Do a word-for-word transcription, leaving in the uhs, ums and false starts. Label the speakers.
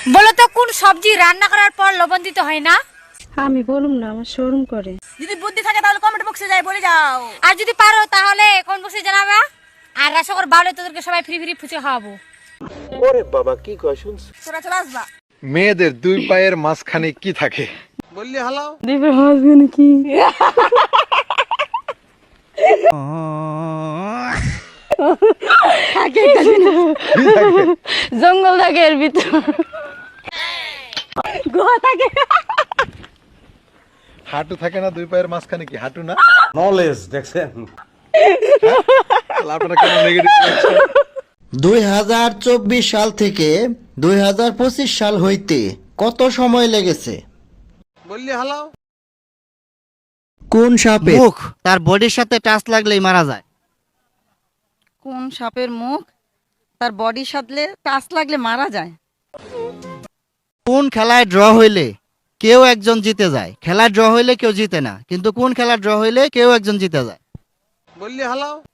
Speaker 1: বলো তো কোন সবজি রান্না করার পর লবণ দিতে হয় না?
Speaker 2: আমি বলুম না, আমার শরম করে।
Speaker 3: যদি বুদ্ধি থাকে তাহলে কমেন্ট বক্সে যাই বলে যাও।
Speaker 1: আর যদি পারো তাহলে কমেন্ট বক্সে জানাবা। আর রাশকর বাউলে তোদেরকে সবাই ফ্রি ফ্রি ফুচকা খাওয়াবো।
Speaker 4: ওরে বাবা কি কয় শুনছ?
Speaker 3: তোরা চলে আসবা।
Speaker 5: মেয়েদের দুই পায়ের মাঝখানে কি থাকে?
Speaker 4: বললি হালাও।
Speaker 2: দিবে হাসবেন কি? জঙ্গল থাকে এর ভিতর, গুহা থাকে।
Speaker 5: হাঁটু থাকে না দুই পায়ের মাঝখানে, কি হাঁটু না?
Speaker 4: নলেজ দেখছেন?
Speaker 5: তাহলে আপনারা কেন নেগেটিভ বলছেন?
Speaker 6: দুই হাজার চব্বিশ সাল থেকে দুই হাজার পঁচিশ সাল হইতে কত সময় লেগেছে?
Speaker 4: বললি হালাও।
Speaker 6: কোন সাপে মুখ তার বডির সাথে টাচ লাগলেই মারা যায়?
Speaker 3: কোন সাপের মুখ তার বডির সাথে টাচ লাগলে মারা যায়?
Speaker 6: কোন খেলায় ড্র হইলে কেউ একজন জিতে যায়? খেলায় ড্র হইলে কেউ জিতে না, কিন্তু কোন খেলায় ড্র হইলে কেউ একজন জিতে যায়?
Speaker 4: বললি হালাও।